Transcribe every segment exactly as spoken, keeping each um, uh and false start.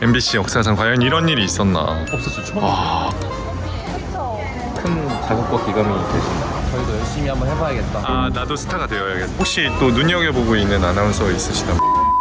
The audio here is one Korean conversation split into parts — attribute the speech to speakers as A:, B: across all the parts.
A: 엠비씨 역사상 과연 이런 일이 있었나?
B: 없었죠. 처음.
A: 와.
B: 큰 자극과 기감이 되신다. 저희도 열심히 한번 해봐야겠다.
A: 아, 나도 스타가 되어야겠다. 혹시 또 눈여겨보고 있는 아나운서 있으시다면?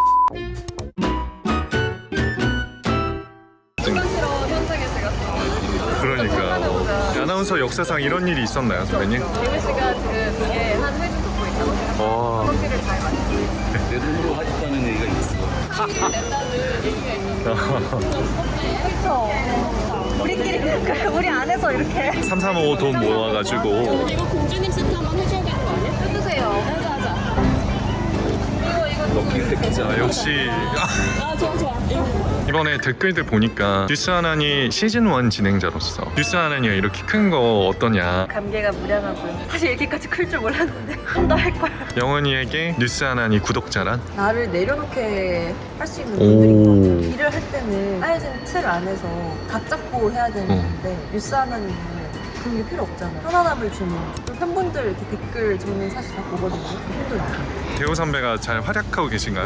C: 부담스러운 현장에 제가
A: 그러니까 아나운서 역사상 이런 일이 있었나요, 선배님?
C: 김우 씨가 지금 이게 한 회주 듣고 있다고 생각해요.
A: 와.
C: 커피를 잘 마시고 있어요.
B: 내 돈으로 하겠다는 얘기가 있어.
C: 커피를 낸다는 얘기가 있는데 그쵸. 우리끼리 그래, 우리 안에서 이렇게
A: 삼삼오오 돈 모아가지고
D: 이거 공주님 세트 한번 해줘야 되는 거 아니야?
C: 해주세요. 하자 하자. 이거 이거
B: 럭키 택지.
A: 아, 역시
D: 아 좋아 좋아.
A: 이번에 댓글들 보니까 뉴스 하나니 시즌 일 진행자로서 뉴스 하나니가 이렇게 큰 거 어떠냐,
C: 감개가 무량하고요. 사실 이렇게까지 클 줄 몰랐는데 좀 더 할 거야.
A: 영원이에게 뉴스 하나니 구독자란?
C: 나를 내려놓게 할 수 있는
A: 오.
C: 분들인 것 같아요. 일을 할 때는 짜여진 틀 안에서 각 잡고 해야 되는데 뉴스 하나는 그런 게 필요 없잖아. 편안함을 주는. 또 팬분들 이렇게 댓글 저는 사실 다 보거든요. 힘들어요.
A: 대호 선배가 잘 활약하고 계신가요?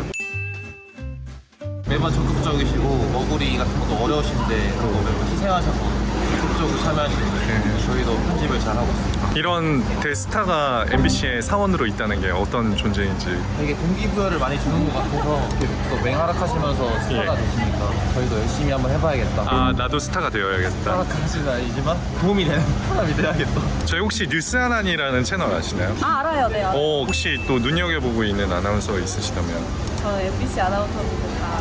B: 매번 적극적이시고 머구리 같은 것도 어려우신데 그거 매번 희생하셔서 적극적으로 참여하시는데 저희도 편집을 잘 하고 있습니다.
A: 이런 대스타가 엠비씨의 사원으로 있다는 게 어떤 존재인지.
B: 되게 동기부여를 많이 주는 것 같아서 이렇게 또 맹활약하시면서 스타가
A: 예.
B: 되시니까 저희도 열심히 한번 해봐야겠다.
A: 아, 나도 스타가 되어야겠다.
B: 활약하시는 아니지만 도움이 되는 사람이 돼야겠다.
A: 저희 혹시 뉴스 하나니라는 채널 아시나요?
C: 아 알아요. 네 알아요.
A: 어, 혹시 또 눈여겨보고 있는 아나운서 있으시다면?
C: 저는 엠비씨 아나운서분들 다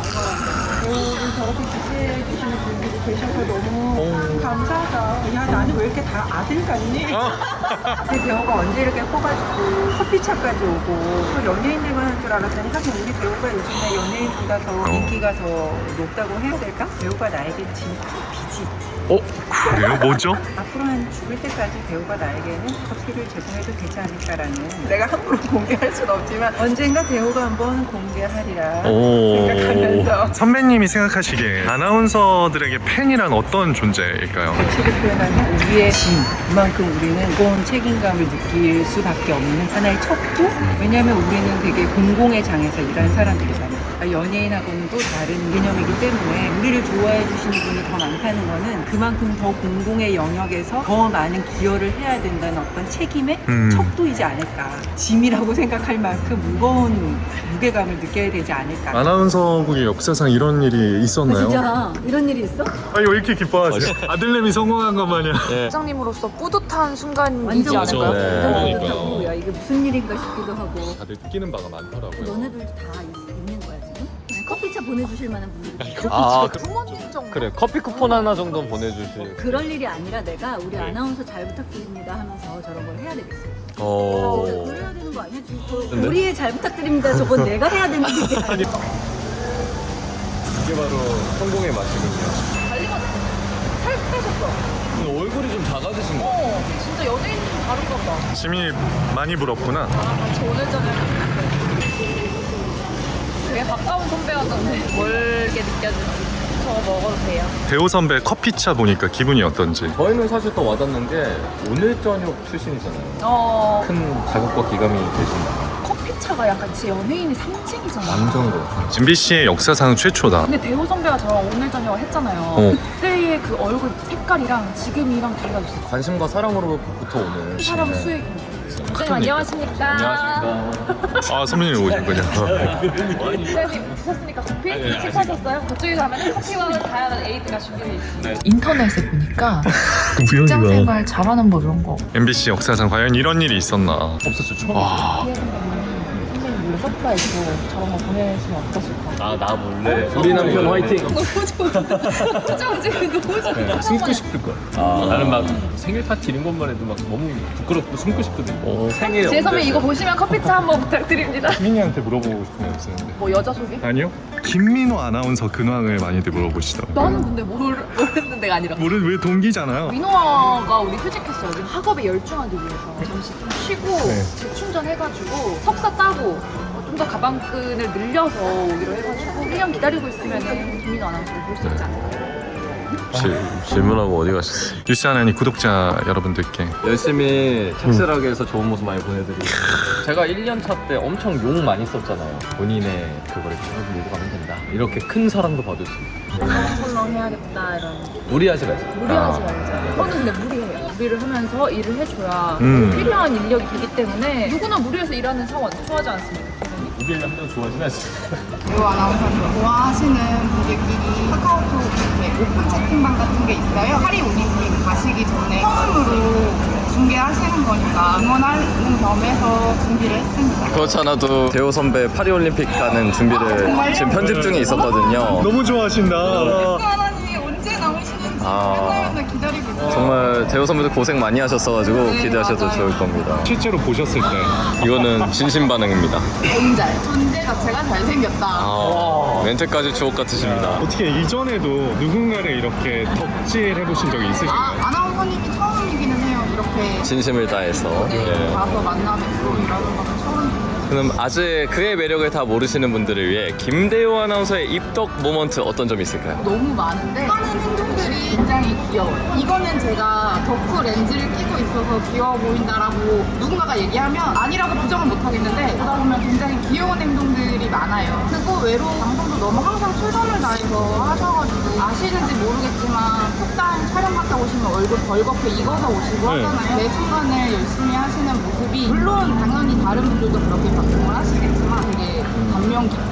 E: 저를 저렇게 지지해주시는 분들이 계셔서 너무 감사하다. 야, 나는 왜 이렇게 다 아들 같니? 그 배우가 언제 이렇게 커가지고 커피차까지 오고 또 연예인들만 할 줄 알았더니 하긴 우리 배우가 요즘에 연예인보다 더
A: 어.
E: 인기가 더 높다고 해야 될까? 배우가 나에게 진짜 빚이 있지.
A: 어? 그래요? 뭐죠?
E: 앞으로 한 죽을 때까지 배우가 나에게는 커피를 제공해도 되지 않을까라는, 내가 함부로 공개할 순 없지만 언젠가 배우가 한번 공개하리라 생각하면서
A: 오. 선배님이 생각하시기에 아나운서들에게 팬이란 어떤 존재일까요?
E: 가치를 표현하는 우리의 짐, 그만큼 우리는 무거운 책임감을 느낄 수밖에 없는 하나의 척도? 왜냐하면 우리는 되게 공공의 장에서 일하는 사람들이잖아요. 연예인하고는 또 다른 개념이기 때문에 우리를 좋아해 주시는 분이 더 많다는 거는 그만큼 더 공공의 영역에서 더 많은 기여를 해야 된다는 어떤 책임의
A: 음.
E: 척도이지 않을까. 짐이라고 생각할 만큼 무거운 무게감을 느껴야 되지 않을까.
A: 아나운서국의 역사상 이런 일이 있었나요?
C: 진짜 이런 일이 있어?
A: 아, 왜 이렇게 기뻐하세요? 아들내미 성공한 것 마냥.
C: 부장님으로서 뿌듯한 순간이지
D: 완전
C: 않을까요?
B: 네.
C: 완전 뿌듯하고 야 이게 무슨 일인가 싶기도 하고.
A: 다들 끼는 바가 많더라고요.
D: 너네들 다 있, 있는 거야 지금? 커피차 보내주실 만한 분들이
B: 아,
C: 부모님 정도.
B: 그래. 커피 쿠폰 하나 정도는 보내주실.
D: 그럴 일이 아니라 내가 우리
A: 네.
D: 아나운서 잘 부탁드립니다 하면서 저런 걸 해야 되겠어.
A: 어.
D: 진짜 그래야 되는 거 아니야? 지금 저
B: 근데?
D: 우리의 잘 부탁드립니다. 저건 내가 해야 되는 일이 아니야.
B: 이게 바로 성공의 맛이군요.
C: 살 빼셨어.
B: 근데 얼굴이 좀 작아지신 거 같아요.
C: 어, 진짜 연예인 좀 다른가 봐.
A: 심이 많이 부럽구나.
C: 아, 같이 오늘 저녁에 되게 가까운 선배였는데 멀게 느껴지는. 저거 먹어도 돼요?
A: 대호 선배 커피차 보니까 기분이 어떤지.
B: 저희는 사실 또 와닿는 게 오늘 저녁 출신이잖아요.
C: 어,
B: 큰 자극과 기감이 되신다.
C: 커피차가 약간 제 연예인의 상징이잖아.
B: 완전 그렇죠.
A: 엠비씨의 역사상 최초다.
C: 근데 대호 선배가 저랑 오늘 저녁 했잖아요.
A: 어.
C: 그때의 그 얼굴 색깔이랑 지금이랑 달라졌어.
B: 관심과 사랑으로부터 오는
C: 사람
B: 네.
C: 수액이. 선생님 안녕하십니까?
B: 안녕하십니까.
A: 아, 선배님 오셨군요.
C: 선생님 드셨습니까 커피? 식사하셨어요? 그쪽에 가면 커피와 다양한 에이드가 준비되어 있습니다. 인터넷에 보니까 직장 생활 잘하는 법 이런 거.
A: 엠비씨 역사상 과연 이런 일이 있었나?
B: 없었죠. 처음.
A: 와.
C: 피해 선배님, 선배님 몰래 서프라이즈로 저런 거 보내시면 어떠실까?
B: 아, 나 몰래. 우리 남편 화이팅.
C: 너무 좋아. 표정 지금 너무 좋아.
B: 숨고 싶을 거야. 아, 나는 막 생일 파티 이런 것만 해도 막 너무 부끄럽고 숨고 싶거든. 생일.
C: 지혜 선배 이거 보시면 커피차 한번 부탁드립니다.
A: 민이한테 물어보고 싶은 거 있었는데.
C: 뭐 여자 소개?
A: 아니요? 김민호 아나운서 근황을 많이들 물어보시더라고요.
C: 나는 근데 모르, 모르는 데가 아니라
A: 모르 왜 동기잖아요.
C: 민호아가 우리 휴직했어요. 지금 학업에 열중하기 위해서 잠시 좀 쉬고
A: 네.
C: 재충전해가지고 석사 따고 좀 더 가방끈을 늘려서 오기로 해가지고 일 년 기다리고 있으면 김민호 아나운서를 볼 수 있지 않을까.
A: 질, 질문하고 어디 가셨어? 뉴스 하나니 구독자 여러분들께
B: 열심히 착실하게 해서 좋은 모습 많이 보내드리고 제가 일 년 차 때 엄청 욕 많이 썼잖아요. 본인의 그거를 쭉 몰고 가면 된다. 이렇게 큰 사랑도 받을 수 있고
D: 설렁설렁 해야겠다 이런.
B: 무리하지 마세요.
D: 무리하지 말자. 저는 근데 무리해요. 무리를 하면서 일을 해줘야
A: 음.
D: 필요한 인력이 되기 때문에 누구나 무리해서 일하는 상황 좋아하지 않습니다.
B: 무리를 한명 좋아하진 않습니다.
F: 배우 아나운서님 좋아하시는 분들끼리 카카오톡 이렇게 오픈 채팅방 같은 게 있어요. 파리 올림픽 가시기 전에 처음으로 중계하시는 거니까 응원하는 겸해서 준비를 했습니다.
G: 그렇지 않아도 대호 선배 파리올림픽 가는 준비를 지금 편집 중에 있었거든요.
A: 너무 좋아하신다.
F: 하나님 언제 나오시는지
G: 아.
F: 맨날 맨날 기다리고 있어요.
G: 정말 대호 선배도 고생 많이 하셨어가지고
F: 네,
G: 기대하셔도
F: 맞아요.
G: 좋을 겁니다.
A: 실제로 보셨을 때
G: 이거는 진심 반응입니다.
F: 존재. 존재 자체가 잘생겼다.
G: 아, 멘트까지 주옥 같으십니다.
A: 어떻게 이전에도 누군가를 이렇게 덕질 해보신 적이 있으신가요?
F: 아, 아나운서님이 처음이기는 해요. 이렇게
G: 진심을 다해서.
F: 네,
G: 예.
F: 가서 만나뵙고 이러는 거는 처음이에요.
G: 그럼 아직 그의 매력을 다 모르시는 분들을 위해 김대호 아나운서의 입덕 모먼트 어떤 점이 있을까요?
F: 너무 많은데 하는 행동들이 굉장히 귀여워요. 이거는 제가 덕후 렌즈를 끼고 있어서 귀여워 보인다라고 누군가가 얘기하면 아니라고 부정을 못 하겠는데 보다 보면 굉장히 귀여운 행동들이 많아요. 그리고 외로 방송도 너무 항상 최선을 다해서 하셔가지고 아시는지 모르겠지만 폭탄 촬영 갔다 오시면 얼굴 벌겋게 익어서 오시고
A: 네.
F: 하잖아요. 매 순간을 열심히 하시는 모습이 물론 당연히 다른 분들도 그렇게 방송을 하시겠지만 되게 감명 깊고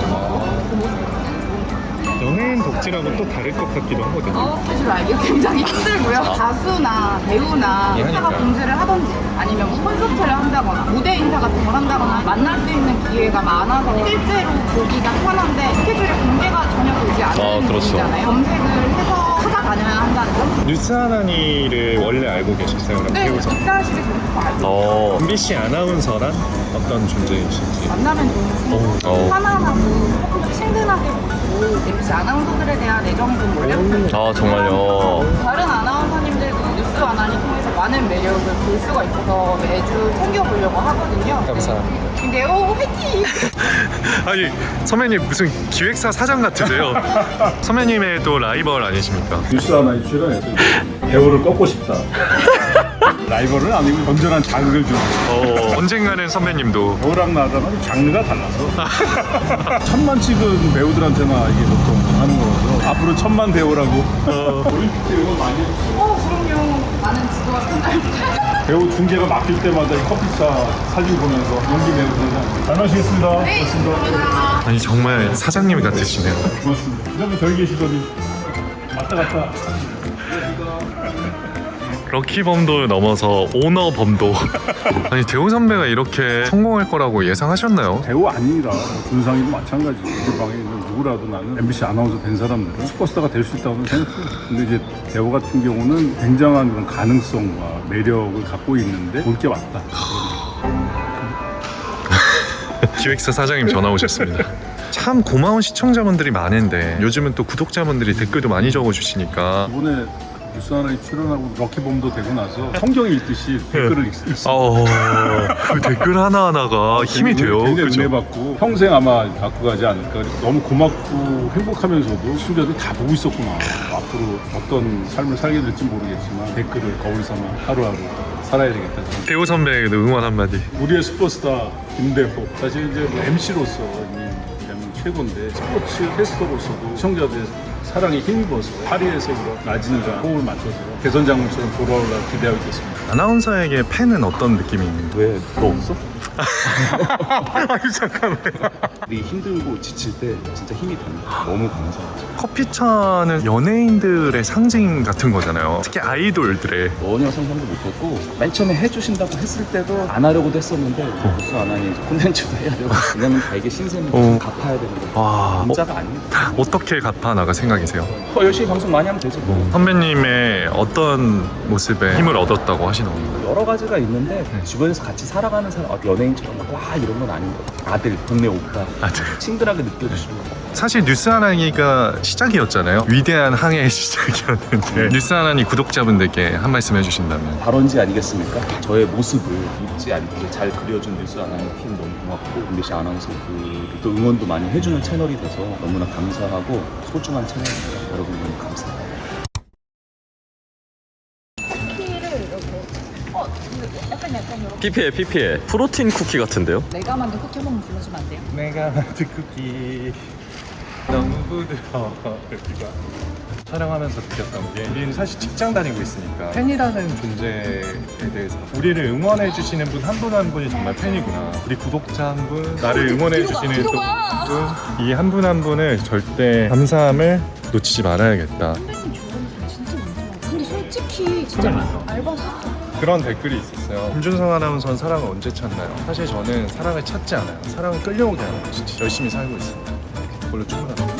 F: 그 모습이 굉장히 좋은 것 같아요.
A: 연예인 덕질하고 또 다를 것 같기도 하거든요.
F: 어, 사실 알기가 굉장히 힘들고요. 가수나 배우나 회사가 공지를 하던지 아니면 뭐 콘서트를 한다거나 무대 인사 같은 걸 한다거나 만날 수 있는 기회가 많아서 실제로 보기가 편한데 스케줄이 공개가 전혀 되지 않는
G: 아, 그렇죠.
F: 분이잖아요. 검색을 해서 찾아다녀야 한다는 점.
A: 뉴스 하나니를 원래 알고 계셨어요? 그럼
F: 네,
A: 배우자.
F: 입사하시기 전부터 알고
G: 어,
A: 엠비씨 아나운서란 어떤 존재이신지.
F: 만나면 좋은 친구,
G: 어.
F: 편안하고 조금 더 친근하게 보이고 엠비씨 아나운서들에 대한 애정이 좀 원래
G: 아 정말요.
F: 다른 아나운서님들도 뉴스 아나니 통해서 많은 매력을 볼 수가 있어서 매주 챙겨보려고 하거든요.
A: 감사합니다.
F: 네. 근데 오 화이팅!
A: 아니 선배님 무슨 기획사 사장 같으세요? 선배님의 또 라이벌 아니십니까?
H: 뉴스 하나에 출연해서 배우를 꺾고 싶다. 라이벌은 아니고 건전한 자극을 주는
A: 어, 언젠가는 선배님도
H: 배우랑 나랑은 장르가 달라서 천만 찍은 배우들한테나 이게 보통 하는 거라서 앞으로 천만 배우라고 올림픽 때 이거 많이 했어요.
F: 어 그럼요. 많은 지도가 끝날
H: 배우 중계가 막힐 때마다 이 커피차 사진 보면서 용기 내고 그러잖아요. 잘 마시겠습니다.
F: 네,
H: 고맙습니다.
A: 아니 정말 사장님 같으시네요.
H: 고맙습니다. 그다음에 저기 계시더니 왔다 갔다.
A: 럭키범도 넘어서 오너범도. 아니 대호 선배가 이렇게 성공할 거라고 예상하셨나요?
H: 배우 아니라 준상이도 마찬가지. 우리 방에 있는 누구라도 나는 엠비씨 아나운서 된 사람들은 슈퍼스타가 될 수 있다고 생각해요. 근데 이제 대호 같은 경우는 굉장한 그런 가능성과 매력을 갖고 있는데 올 게 왔다.
A: 기획사 사장님 전화 오셨습니다. 참 고마운 시청자분들이 많은데 요즘은 또 구독자분들이 댓글도 많이 적어주시니까
H: 이번에 뉴스 하나에 출연하고 럭키범도 되고 나서 성경 읽듯이 댓글을 읽, 읽습니다.
A: 어, 그 댓글 하나하나가 힘이 돼요.
H: 굉장히
A: 그죠?
H: 은혜 받고 평생 아마 갖고 가지 않을까. 너무 고맙고 행복하면서도 시청자들이 다 보고 있었구나. 앞으로 어떤 삶을 살게 될지 모르겠지만 댓글을 거울 삼아 하루하루 살아야 되겠다.
A: 대호 선배에게도 응원 한마디.
H: 우리의 슈퍼스타 김대호. 사실 이제 뭐 엠씨로서 대한민국 최고인데 스포츠 캐스터로서도 시청자들의 사랑에 힘입어서 파리에서 라진과 호흡을 맞춰서 대선 장군처럼 돌아오라 기대하고 있겠습니다.
A: 아나운서에게 팬은 어떤 느낌이 있는지.
I: 왜 너 없어?
A: 아니 잠깐만.
I: 우리 힘들고 지칠 때 진짜 힘이 됩니다. 너무 감사하죠.
A: 커피차는 연예인들의 상징 같은 거잖아요. 특히 아이돌들의.
I: 전혀 상상도 못했고 맨 처음에 해주신다고 했을 때도 안 하려고도 했었는데 뉴스 안 하니 콘텐츠도 해야 되고 왜냐면 다 이게 신세니까
A: 어.
I: 갚아야 되는 거예요.
A: 와,
I: 문자가 아닙니다.
A: 어떻게 갚아 나가 생각이세요?
I: 더 열심히 방송 많이 하면 되죠. 뭐.
A: 선배님의 어떤 모습에 힘을 얻었다고 하시는 겁니까?
I: 여러 가지가 있는데 주변에서 같이 살아가는 사람 아, 연예인처럼 막 와 이런 건 아닌 것 같아요. 아들 동네 오빠
A: 아, 네.
I: 친근하게 느껴주시는 거.
A: 사실 뉴스 하나니가 시작이었잖아요. 위대한 항해의 시작이었는데 뉴스 하나니 구독자분들께 한 말씀 해주신다면.
I: 발언지 아니겠습니까? 저의 모습을 잊지 않게 잘 그려준 뉴스 아나운서 팀 너무 고맙고 엠비씨 아나운서 또 응원도 많이 해주는 채널이 돼서 너무나 감사하고 소중한 채널입니다. 여러분 너무 감사합니다.
G: 피피에 피피에 프로틴 쿠키 같은데요?
D: 내가 만든 쿠키 한번 불러주면 안 돼요?
A: 내가 만든 쿠키 너무 부드러워. 여기가 촬영하면서 느꼈던 게 우리는 사실 직장 다니고 있으니까 팬이라는 존재에 대해서 우리를 응원해 주시는 분 한 분 한 분이 정말 팬이구나. 우리 구독자 한 분, 나를 응원해 주시는 또 이 한 분 한 분을 절대 감사함을 놓치지 말아야겠다.
D: 선배님 좋아하는 사람 진짜 많더라고요. 근데 솔직히 진짜 알바 썼죠.
A: 그런 댓글이 있었어요. 김준성 아나운서는 사랑을 언제 찾나요? 사실 저는 사랑을 찾지 않아요. 사랑을 끌려오게 하는 거죠. 열심히 살고 있습니다. 그걸로 충분합니다.